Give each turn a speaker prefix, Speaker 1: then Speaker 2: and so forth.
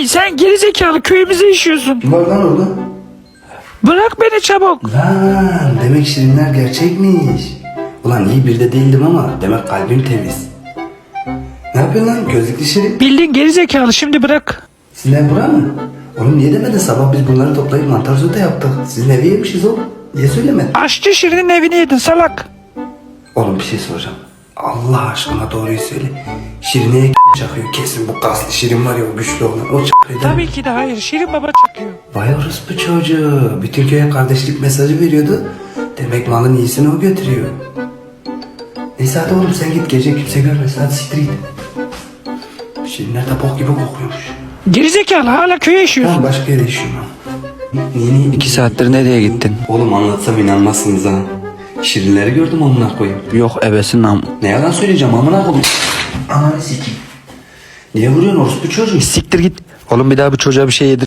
Speaker 1: sen gerizekalı köyümüze işiyorsun.
Speaker 2: Kim var lan orada?
Speaker 1: Bırak beni çabuk.
Speaker 2: Lan demek şirinler gerçekmiş. Ulan iyi bir de değildim ama demek kalbim temiz. Ne yapıyorsun lan gözlüklü şirin?
Speaker 1: Bildin gerizekalı, şimdi bırak.
Speaker 2: Sizin bura mı? Oğlum niye demedin, sabah biz bunları toplayıp mantar sote yaptık. Sizin evi yemişiz oğlum. Niye söylemedin?
Speaker 1: Aşçı Şirin'in evini yedin salak.
Speaker 2: Oğlum bir şey soracağım. Allah aşkına doğruyu söyle. Şirine'ye çakıyor kesin, bu kaslı Şirin var ya, o güçlü olan. O çakıyor.
Speaker 1: Tabii ki de hayır, Şirin baba çakıyor.
Speaker 2: Vay orospu çocuğu. Bütün köye kardeşlik mesajı veriyordu. Demek malın iyisini o götürüyor. Neyse hadi oğlum sen git, gece kimse görmesin, hadi siktir git. Şirinler de bok gibi kokuyormuş.
Speaker 1: Gerizekalı, hala köye işiyorsun.
Speaker 2: Tamam, başka yere işiyorum ben. Niye? 2 saattir nereye gittin? Oğlum anlatsam inanmazsınız ha. Şirinleri gördüm amına koyayım.
Speaker 3: Yok ebesin am.
Speaker 2: Ne yalan söyleyeceğim amına koyayım. Ananı sikeyim. Niye vuruyorsun orospu çocuğu?
Speaker 3: Siktir git. Oğlum bir daha bu çocuğa bir şey yedir.